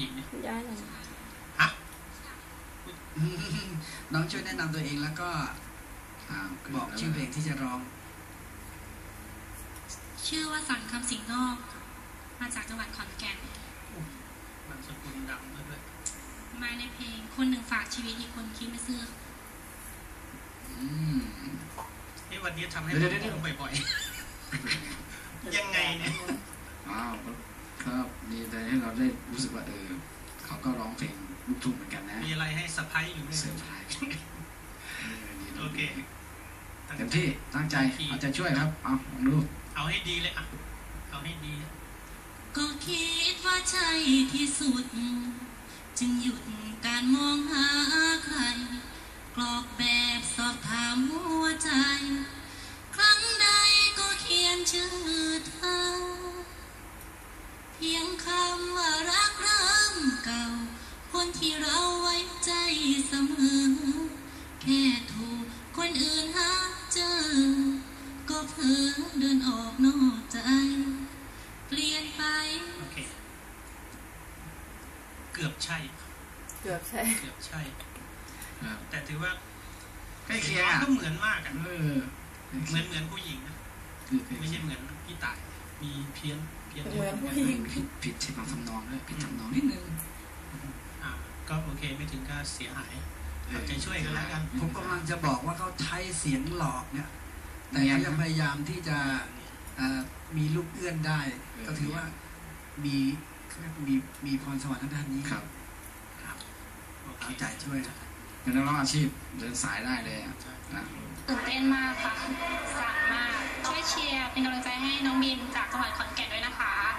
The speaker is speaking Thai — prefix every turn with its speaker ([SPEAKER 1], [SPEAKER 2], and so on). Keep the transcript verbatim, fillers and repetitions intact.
[SPEAKER 1] ญิงเนี่ย
[SPEAKER 2] ย้ายหน่อย
[SPEAKER 1] ฮะ
[SPEAKER 3] น้องช่วยแนะนำตัวเองแล้วก็บอกชื่อเพลงที่จะร้อง
[SPEAKER 4] ชื่อว่าสันคำสิงห์นอกมาจากจังหวัดขอนแก่น
[SPEAKER 1] มันสกุลดังด้วย
[SPEAKER 4] มาในเพลงคนหนึ่งฝากชีวิตอีกคนคิดไม่ซื่อ
[SPEAKER 1] อืมนี่วันนี้ทำให้ผมงงบ่อยๆยังไงเนี่ย
[SPEAKER 3] อ้าวครับดีใจให้เราได้รู้สึกว่าเออเขาก็ร้องเพลงลูกทุ่งเหมือนกันนะ
[SPEAKER 1] มีอะไรให้เซอร์ไพรส์อยู่ด้วย
[SPEAKER 3] เซอร์ไพรส์
[SPEAKER 1] โอเค
[SPEAKER 3] เต็มที่ตั้งใจเอาใจช่วยครับเอาลองดู
[SPEAKER 1] เอาให้ดีเลยอ่ะเอาให้ดี
[SPEAKER 4] ก็คิดว่าใช่ที่สุดจึงหยุดการมองหาใครกรอกแบบสอบถามหัวใจครั้งใดก็เขียนชื่อเธอเพียงคำว่ารักเริ่มเก่าคนที่เราไว้ใจเสมอแค่ถูกคนอื่นหาเจอก็เพ้อเดินออกนอกใจเปลี่ยนไป
[SPEAKER 1] โอเคเกือบใช่
[SPEAKER 2] เกือบใช่
[SPEAKER 1] เกือบใช่แต่ถือว่า
[SPEAKER 3] ใกล้เคียง
[SPEAKER 1] ก็เหมือนมากอ่ะ
[SPEAKER 3] เออ
[SPEAKER 1] เหมือนเหมือนผู้หญิงนะไม่ใช่เหมือนพี่ต่ายมีเพี้ยนเพี้ยน
[SPEAKER 2] เหมือนผู้หญิง
[SPEAKER 3] ผิดผิดใช่บางทำนองด้วยผิดทำนองนิดนึง
[SPEAKER 1] อ่าก็โอเคไม่ถึงก็เสียหายเอาใจช่วยกันแล้วกัน
[SPEAKER 3] ผมกำลังจะบอกว่าเขาใช้เสียงหลอกเนี่ยแต่ยังพยายามที่จะมีลูกเอื้อนได้ก็ถือว่ามีมีมีพรสวรรค์ทางด้านนี้
[SPEAKER 1] ครับ
[SPEAKER 3] เอาใจช่วยเป็นนักร้องอาชีพเดินสายได้เลยนะ
[SPEAKER 4] ตื่นเต้นมากค่ะสั่นมากช่วยเชียร์เป็นกำลังใจให้น้องบินจากจังหวัดขอนแก่นด้วยนะคะ